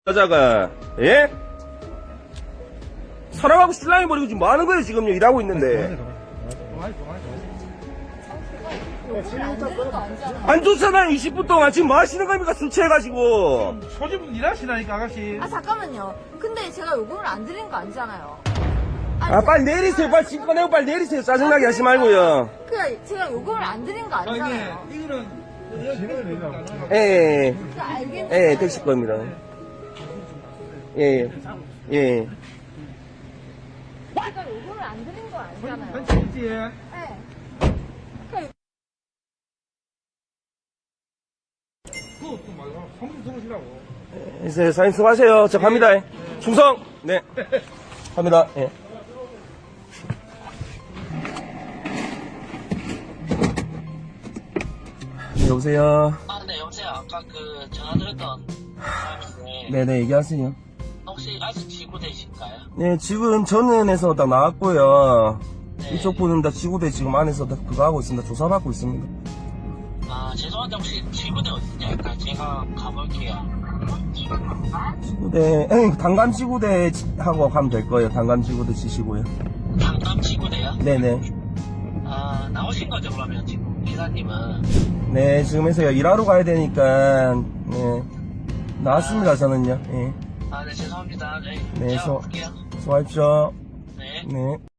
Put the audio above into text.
여자가, 예? 사랑하고 신랑이 버리고 지금 뭐 하는 거예요, 지금 일하고 있는데. 안 좋잖아요, 20분 동안. 지금 뭐 하시는 겁니까, 술 취해가지고. 소집은 일하시라니까, 아가씨. 아 잠깐만요. 근데 제가 요금을 안 드린 거 아니잖아요. 아, 빨리 내리세요. 빨리 짐 꺼내고 빨리 내리세요. 짜증나게 하지 말고요. 그냥 제가 요금을 안 드린 거 아니잖아요. 이거는, 예, 그러니까 알겠는데. 예, 택시 겁니다. 예, 예. 제가 요금을 안 드린 거 아니잖아요. 괜찮지? 네. 그것도 말고, 성질 들으시라고. 이제 사장님 수고하세요. 저 갑니다. 충성! 네. 갑니다. 예. 네, 여보세요. 아, 네, 여보세요. 아까 그 전화드렸던 사람인데 네네, 얘기하세요. 혹시 아직 지구대신가요? 네, 지금 전원에서 다 나왔고요. 네. 이쪽 분은 다 지구대 지금 안에서 다 그거 하고 있습니다. 조사받고 있습니다. 아, 죄송한데 혹시 지구대 어디냐니까 제가 가볼게요. 지구대, 단감 지구대 하고 가면 될 거예요. 단감 지구대 치시고요. 강남 지구대요? 네네. 아, 나오신 거죠, 그러면 지금 기사님은? 네, 지금 해서 일하러 가야 되니까, 네. 나왔습니다, 저는요. 예. 아, 네, 죄송합니다. 네, 네, 제가 볼게요. 수고하십시오. 네. 네.